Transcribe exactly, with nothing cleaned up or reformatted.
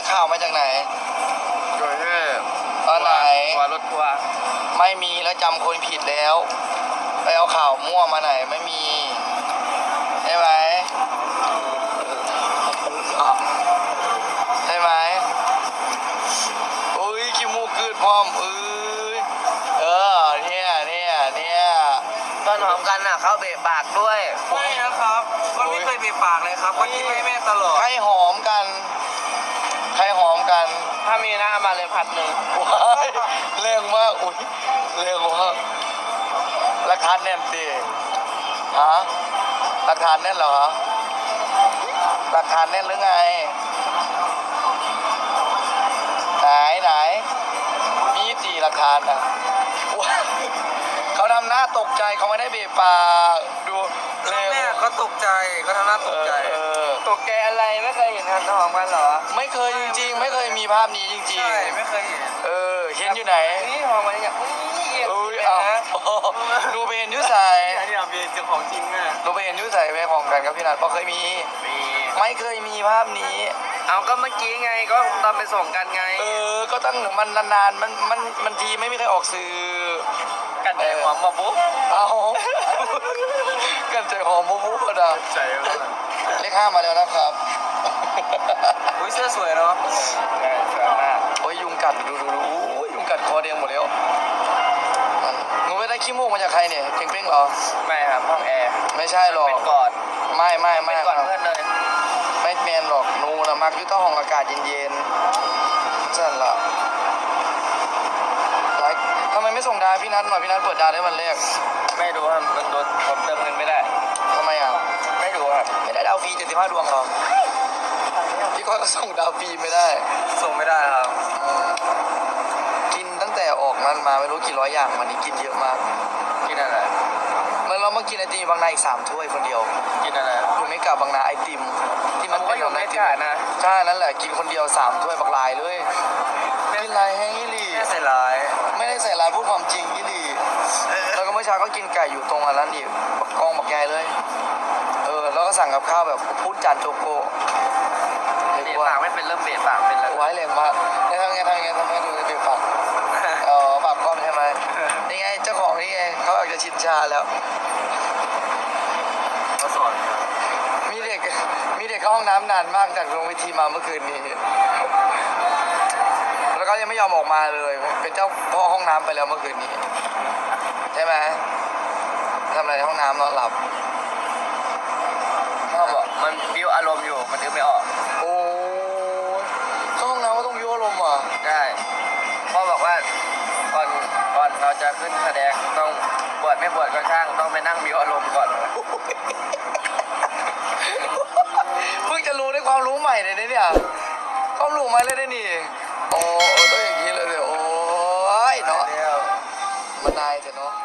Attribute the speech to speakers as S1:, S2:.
S1: ข่าวมาจากไหน
S2: โดยที่
S1: ตอนไหน
S2: ทัวร์รถทัวร์
S1: ไม่มีแล้วจำคนผิดแล้วไปเอาข่าวมั่วมาไหนไม่มีใช่ไหมใช่ไหมอุ้ยขี้มูกกืดพร้อมเอ้ยเออเนี่ยเนี่ยเนี่ย
S2: ตอนหอมกันน่ะเขาเบะปากด้วย
S3: ไม่นะครับมันไม่เคยเบะปากเลยครับก็กินให้แม่ตลอด
S1: ใครหอมกันใครหอมกัน
S2: ถ้ามีนะเอามาเลยผัดหนึ่ง
S1: ว้ายเรื่องมากอุ้ยเรื่องมากราคาแน่นดิฮะราคาแน่นเหรอราคาแน่นหรือไงไหนไหนมีตีราคาอ่ะเขาทำหน้าตกใจเขาไม่ได้เบะปากดูเร็ว
S3: แม่ก็ตกใจก็ทำหน้าตกใจ
S2: ตกใจอะไรไม่เคยเห็นกันหอมกันเหรอ
S1: ไม่เคยจริงๆไม่เคยมีภาพนี้จริงๆ
S3: ใช่ไม่เคยเห็น
S1: เออเห็นอยู่ไหน
S2: นี่หอมกันอย่างอุ้ย
S1: อุ้ยเอาดูไปเห็นยุใส
S3: อันนี้เป็นเจ้าของจริงแม่
S1: ดูไปเห็นยุใสไปของกันครับพี่นัทเพราะเคยมี
S2: มี
S1: ไม่เคยมีภาพนี้
S2: เอาก็เมื่อกี้ไงก็ตอนไปส่งกันไง
S1: เออก็ตั้งมันนานๆมันมันมันทีไม่มีใครออกสื่อ
S2: กันใจหอมมาบุ๊บ
S1: เอากันใจหอมบุ๊บบุ๊บอะ
S3: ใจ
S1: เลขห้ามาแล้วนะครับ
S3: อุ้ยเสื้อสวยเนาะ
S2: ใช่สวยมาก
S1: โอ้ยยุงกัดดูดูดูยุงกัดคอแดงหมดแล้วมึงไปได้ขี้มูกมาจากใครเนี่ยเก่งเป้งเหรอ
S2: ไม่ครับห้องแอร์
S1: ไม่ใช่หรอก
S2: เป็นก่อน
S1: ไม่ไม่ไม่
S2: ก่อนเพื่อนเลย
S1: ไม่แมนหรอกนูนะมักยุ่งห้องอากาศเย็นๆสั่นละทำไมไม่ส่งดาวพี่นัทหน่อยพี่นัทเปิดดาวได้วันแรก
S2: ไม่ดูครับมันโดนผมเติมเงินไม่ได้
S1: ทำไมอ่ะ
S2: ไม่ดูครับ
S1: ไม่ได้ดาวฟรีเจ็ดสิบห้าดวงหรอพี่ก็ส่งดาวฟรีไม่ได้
S3: ส่งไม่ได้ครับ
S1: กินตั้งแต่ออกมันมาไม่รู้กี่ร้อยอย่างวันนี้กินเยอะมาก
S2: กินอะไร
S1: เมื่อเรามากินไอติมบางนาอีกสามถ้วยคนเดียว
S2: กินอะไร
S1: อยู่ไม่กลับบางนาไอติมที่มัน
S2: เป็น
S1: ไอ
S2: ติมนะ
S1: ใช่นั่นแหละกินคนเดียวสามถ้วยบักลายเลยกินลายแห้งยี่หลี่
S3: ไม่ใส่ลาย
S1: ไม่ได้ใส่ลายพูดความจริงยี่หลี่แล้วก็เมื่อเช้าก็กินไก่อยู่ตรงอันนั้นอีกบักกองบักใหญ่เลยเออแล้วก็สั่งกับข้าวแบบพูดจานโจโก้
S2: เบะปากไม่เป็นเริ่มเบะปากเป็นแล้ว
S1: ไว้แรงมากนี่ทำไงทำไงทำไงดูเบะปากอ๋อปากก้อนใช่ไหมนี่ไงเจ้าของนี่ไงเขาอาจจะชินชาแล้ว
S3: เขาสอน
S1: มีเด็กมีเด็กเข้าห้องน้ำนานมากจากโรงวิธีมาเมื่อคืนนี้แล้วก็ยังไม่ยอมออกมาเลยเป็นเจ้าพ่อห้องน้ำไปแล้วเมื่อคืนนี้ใช่ไหมทำอะไรในห้องน้ำนอนหลับ
S2: พ่อบอกมันบิ้วอารมณ์อยู่มันนึกไม่ออก
S1: โอ้เข้าห้องน้ำก็ต้องบิ้วอารมณ์อ่ะ
S2: ได้พ่อบอกว่าก่อนก่อนเราจะขึ้นแสดงต้องบวชไม่บวชก็ช่างต้องไปนั่งบิ้วอารมณ์ก่อน
S1: เพิ่งจะรู้ได้ความรู้ใหม่เลยเนี่ยความรู้ใหม่เลยได้นี่โอ้ต้องอย่างนี้เลยเดี๋ยวโอ้ยเนาะมันนายแต่เนาะ